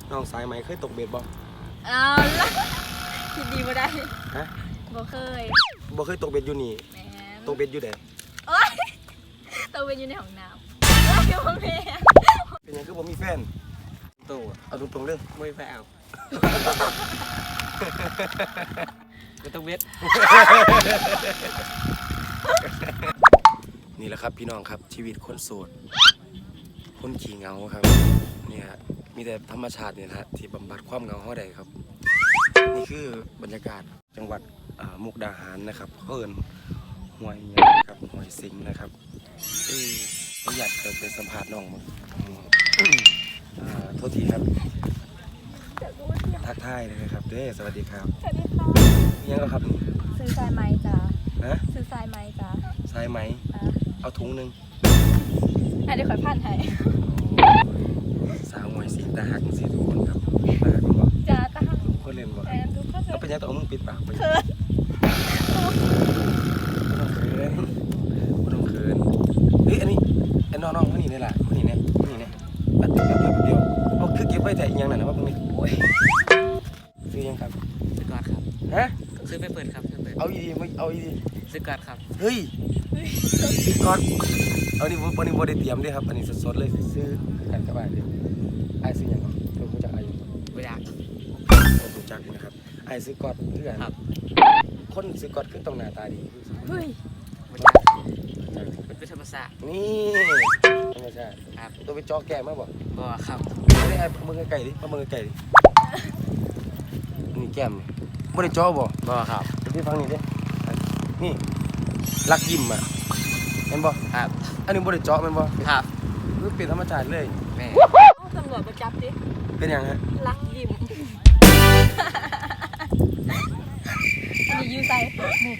น้องสายไหมเคยตกเบ็ดบ่เอาละคิดดีบ่ได้ฮะบ่เคยตกเบ็ดอยู่นี่แม่ตกเบ็ดอยู่ไหนโอ๊ยตกเบ็ดอยู่ในห้องน้ำโอ๊ยบ่แม่เป็นยังคือบ่มีแฟนตู้เอาตรงๆเลยไม่แฟเอาไม่ต้องเวทนี่แหละครับพี่น้องครับชีวิตคนโสดคนขี้เหงาครับเนี่ยมีแต่ธรรมชาติเนี่ยนะที่บำบัดความเหงาเขาได้ครับนี่คือบรรยากาศจังหวัดมุกดาหารนะครับเอิ้นห้วยหยังครับห้วยสิงห์นะครับอยากจะไปสัมภาษณ์น้องมั้งโทษทีครับทักทายเลยครับเด้สวัสดีครับสวัสดีค่ะยังแล้วครับซื้อสายไหมจ้ะนะซื้อสายไหมจ้ะสายไหมเอาถุงนึงเดี๋ยวขอผ่านให้สาวหวยสีตาหักสีทุกคนครับตาหักบ่จ้าตาหักคนเล่นบ่ทุกคนเอาไปยังต้องมึงปิดปากไปเขินต้องเขินเฮ้ยอันนี้น้องๆมานี่นี่แหละมานี่เนี่ยแป๊บเดียวเอาคือเก็บไว้แต่อีกอย่างนั้นนะว่าพวกนี้ซื้อยังครับซื้อกอดครับฮะซื้อไปเปิดครับเอาอีดีเอาอีดีซื้อกอดครับเฮ้ยซื้อก่อนเอานี่วันนี้โบได้เตรียมด้วยครับอันนี้สดๆเลยซื้อกันกับบ้านเลยไอ้ซื้อยังเรารู้จักไอ้ไม่ได้รู้จักนะครับไอ้ซื้อกอดเพื่อนครับคนซื้อกอดขึ้นตรงหน้าตาดีเฮ้ยไม่ได้เป็นธรรมศาสตร์นี่ธรรมชาติครับตัวไปจอแก่มาบ่บ่ครับไม่ได้ไอ้มือไก่ดิมือไก่ดินี่แก้มไม่ได้จอบ่ครับพี่ฟังนี่ดินี่ลักยิ้มอ่ะเห็นบ่ครับอันนี้บ่ได้เจาะแม่นบ่ครับคือเป็นธรรมชาติเลยแม่ตำรวจมาจับดิเป็นหยังฮะลักยิ้มอันนี้ยูไซนี่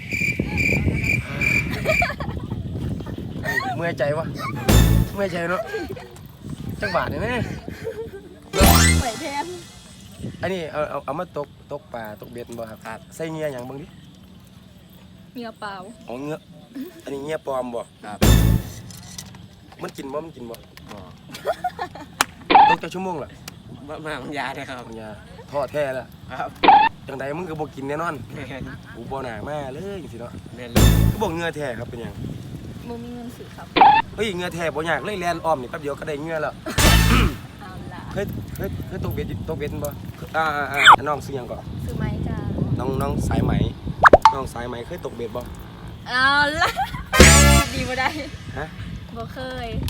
เมื่อยใจวะเมื่อยใจเนาะจังหวะนี่แม่ไหวแทนอันนี้เอามาตกปลาตกเบ็ดบ่ครับใส่เงี้ยหยังเบิ่งดิเงียเปล่าอ๋อเงี้ยอันนี้เงี้ยปลอมบ่ครับมันกินบ่บ่ตกจักชั่วโมงล่ะมาบางยาได้ครับยาทอดแท้แล้วครับจังใดมึงก็บ่กินแน่นอนกูบ่น่ามาเลยจังซี่เนาะแม่นก็บอกเงือแท้ครับเป็นหยังมึงมีเงินซื้อครับเฮ้ยเงือแท้บ่ยากเลยแล่นอ้อมนี่แป๊บเดียวก็ได้เงือแล้วเอาล่ะเคยตกเบ็ดบ่น้องซื้อหยังก่อนซื้อไหมจ้าน้องสายไหมน้องสายไหมเคยตกเบ็ดบ่เอาล่ะดีบ่ได้ฮะบ่เค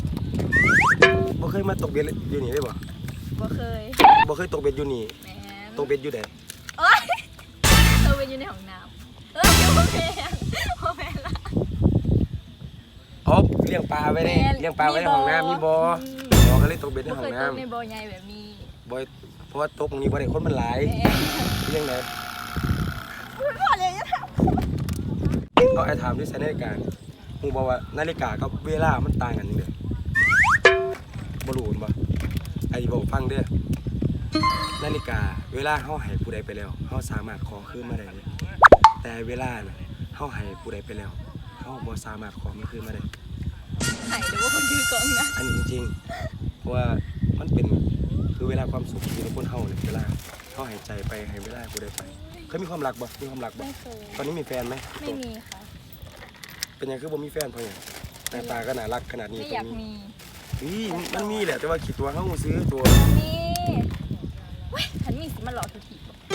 ยมาตกเบ็ดอยู่นี่ได้บ่บ่เคยตกเบ็ดอยู่นี่แม่ตกเบ็ดอยู่ไหนโอ๊ยตกเบ็ดอยู่ในห้องน้ำบ่แม่ล่ะอ๋อเลี้ยงปลาไว้ในห้องน้ำมีบ่ก็เลยตกเบ็ดในห้องน้ำในบ่อใหญ่แบบนี้บ่เพราะว่าตกตรงนี้บ่ได้คนมันหลายเลี้ยงไหนพ่อเลยก็ไอ้ถามด้วยใช้นาฬิกาฮู้บ่ว่านาฬิกากับเวลามันต่างกันจังได๋บ่รู้บ่ไอ้บอกฟังเด้อนาฬิกาเวลาเฮาให้ผู้ใดไปแล้วเฮาสามารถขอคืนมาได้แต่เวลาน่ะเฮาให้ผู้ใดไปแล้วเฮาบ่สามารถขอมันคืนมาได้ให้หรือว่าคนถือกล้องนะอันนี้จริงๆเพราะว่ามันเป็นคือเวลาความสุขที่คนเฮาเนี่ยเวลาเฮาให้ใจไปให้เวลาผู้ใดไปเคยมีความรักบ่ไม่เคยตอนนี้มีแฟนไหมไม่มีค่ะเป็นยังคือบ่มีแฟนเพราะหยังหน้าตาก็น่ารักขนาดนี้ไม่อยากมีมันมีแหละแต่ว่าคิดตัวเฮาซื้อตัวมีเว้ยฉันมีสิมาหลอกทุกที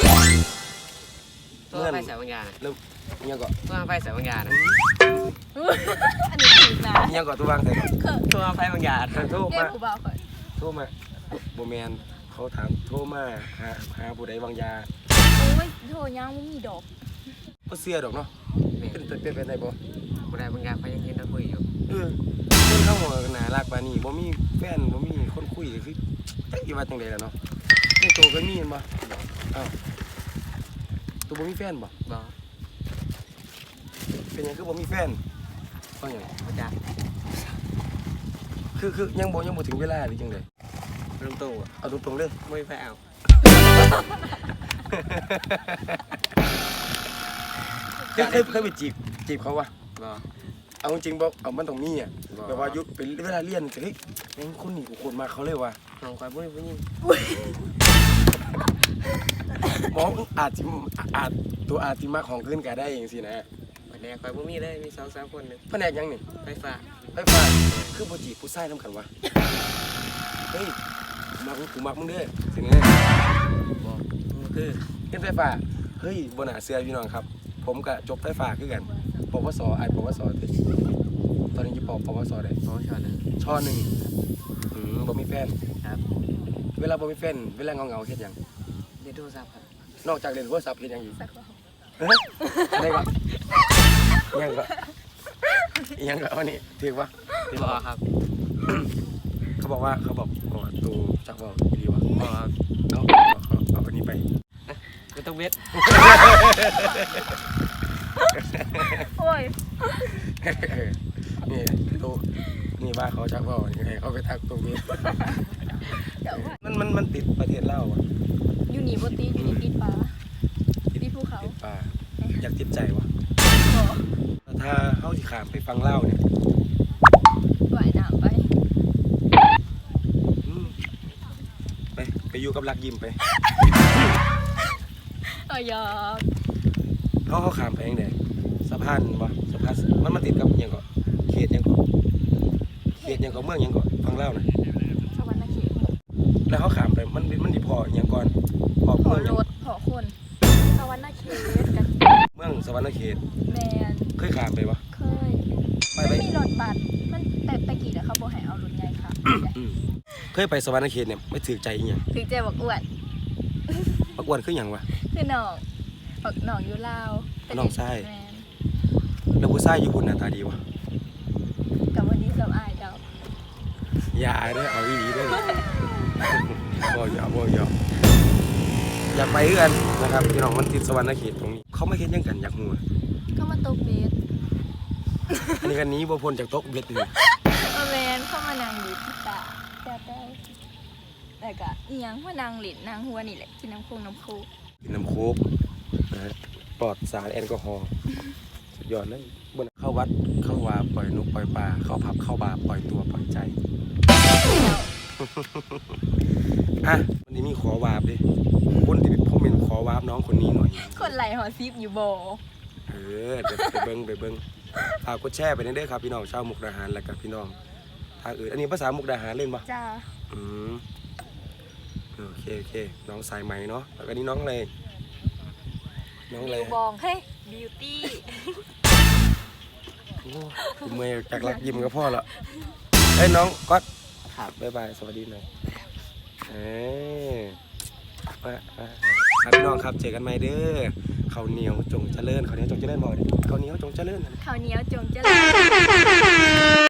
ตัวไฟแสงวิญญาณเริ่มยังก่อนตัวไฟแสงวิญญาณอันนี้ถูกนะยังก่อนตัววางใส่ตัวไฟวิญญาณโทรมาโบ่แม่นเขาถามโทรมาหาผู้ใดวางยาโอ้ยโทรยังไม่มีดอกบ่เชื่อดอกเนาะเป็นได้บ่ผู้ใดบางอย่างเขายังเห็นเราคุยอยู่คนเฮาน่ารักปานนี้บ่มีแฟนบ่มีคนคุยคือจักสิว่าจังได๋ล่ะเนาะในตัวเคยมีบ่อ้าวตัวบ่มีแฟนบ่เป็นหยังคือบ่มีแฟนเพราะหยังบ่จักคือยังบ่ถึงเวลาหรือจังได๋เริ่มต้นเอาตรงๆเลยไม่แฟเอาเคยไปจีบเขาวะเอาจริงบ่เอามันต้องมีอ่ะแบบว่ายุดเป็นเวลาเรียนเฮ้ยยังคนนี้กูคนมาเขาเลยว่ะน้องคอยผู้หญิงหมออาจจะอาจตัวอาจจะมาของขึ้นก็ได้เองสินะแผนกคอยบ่มีเลยมี2-3คนนึงแผนกยังนี่ไฟฟ้าไฟฟ้าคือบ่จีบผู้ชายนำกันวะเฮ้ยกูมักมึงเด้อสิไงบ่คือเฮ็ดไฟฟ้าเฮ้ยบ่น่าเชื่อพี่น้องครับ ผมก็จบไฟฟ้าคือกันปวสปวสตอนนี้อยู่ปวสได้พอชอนึงช่อหนึ่งบ่มีแฟนครับเวลาบ่มีแฟนเวลาเงาๆเฮ็ดหยังเรียนโทรศัพท์ครับนอกจากเล่นโทรศัพท์เฮ็ดหยังอีกสักรอบเฮ้ยอะไรวะยังก็อันนี้ถือว่าบ่ครับเขาบอกว่าตูจักบอกดีวะบ่ครับเอาอันนี้ไปไม่ต้องเบ็ดโอ้ยนี่ตูนี่ว่าเขาจักบอกยังไงเขาไปทักตรงนี้เดี๋ยวว่ามันติดประเทศลาวอ่ะอยู่นี่บ่ติดอยู่นี่ติดปลาติดภูเขาติดป่าอยากติดใจวะบ่ถ้าเขาสิขามไปฟังเล่าวเนี่ยว่ายน้ำไปอืมไปอยู่กับรักยิ้มไปหยอกเขาขามไปยังไงสะพานวะสะพานมันมาติดกับหยังก่อนเขตหยังก่อนเขตหยังก่อนเมืองหยังก่อนฟังเล่าวนะสวรรค์เขตแล้วเขาขามไปมันดีพอหยังก่อนพอพอเมืองหรยังถพอคนสวรรค์เขตกันเมืองสวรรค์เขตแมนเคยขามไปวะเคยไปมันไปมีรถบัสมันแต่ตะกี้เขาบอกให้เอารถใหญ่ค่ะอืมเคยไปสวรรค์เขตเนี่ยไม่ถือใจอีหยังถึงใจบอกอ้วนประกวดคือหยังวะคือน้องบอกน้องอยู่ลาวน้องชายแมนแล้วผู้ชายญี่ปุ่นหน้าตาดีวะกับวันนี้สบอายเจ้าอย่าเด้อเอาอีหลีเด้อบ่อย่าอยากไปเอื้อนนะครับพี่น้องมันติดสวรรค์เขตตรงนี้เขาไม่เห็นยังกันอยากหัวเข้ามาตกเบสอันนี้กันนี้บ่พ้นจากโต๊ะเบ็ดเลยแมนเข้ามานั่งอยู่ที่ตาแต่แต่ก็อีหยังว่านางหลินนางหัวนี่แหละกินน้ำโคงน้ำโคกกินน้ำโคกนะฮะปลอดสารแอลกอฮอล์สุดยอดเลยบนเข้าวัดเข้าวาปล่อยนกปล่อยปลาเข้าผับเข้าบาร์ปล่อยตัวปล่อยใจอ่ะวันนี้มีขอวาบดิคนที่ผมเป็นขอวาบน้องคนนี้หน่อยคนไหลหอซิปอยู่โบเดี๋ยวไปเบิ้งฝากกดแชร์ไปเด้อครับพี่น้องชาวมุกดาหารและกับพี่น้องทางอื่นอันนี้ภาษามุกดาหารเล่นปะจ้าอืมโอเคน้องสายไหมเนาะแล้วก็นี่น้องเลยน้องเลยบองเฮ้ยบิวตี้โอ้ยเมื่อยจากรักยิ้มกับพ่อละเฮ้ยน้องก๊อตครับบ๊ายบายสวัสดีหน่อยครับพี่น้องครับเจอกันใหม่เด้อข้าวเหนียวจงเจริญข้าวเหนียวจงเจริญบ่อยข้าวเหนียวจงเจริญข้าวเหนียวจงเจริญ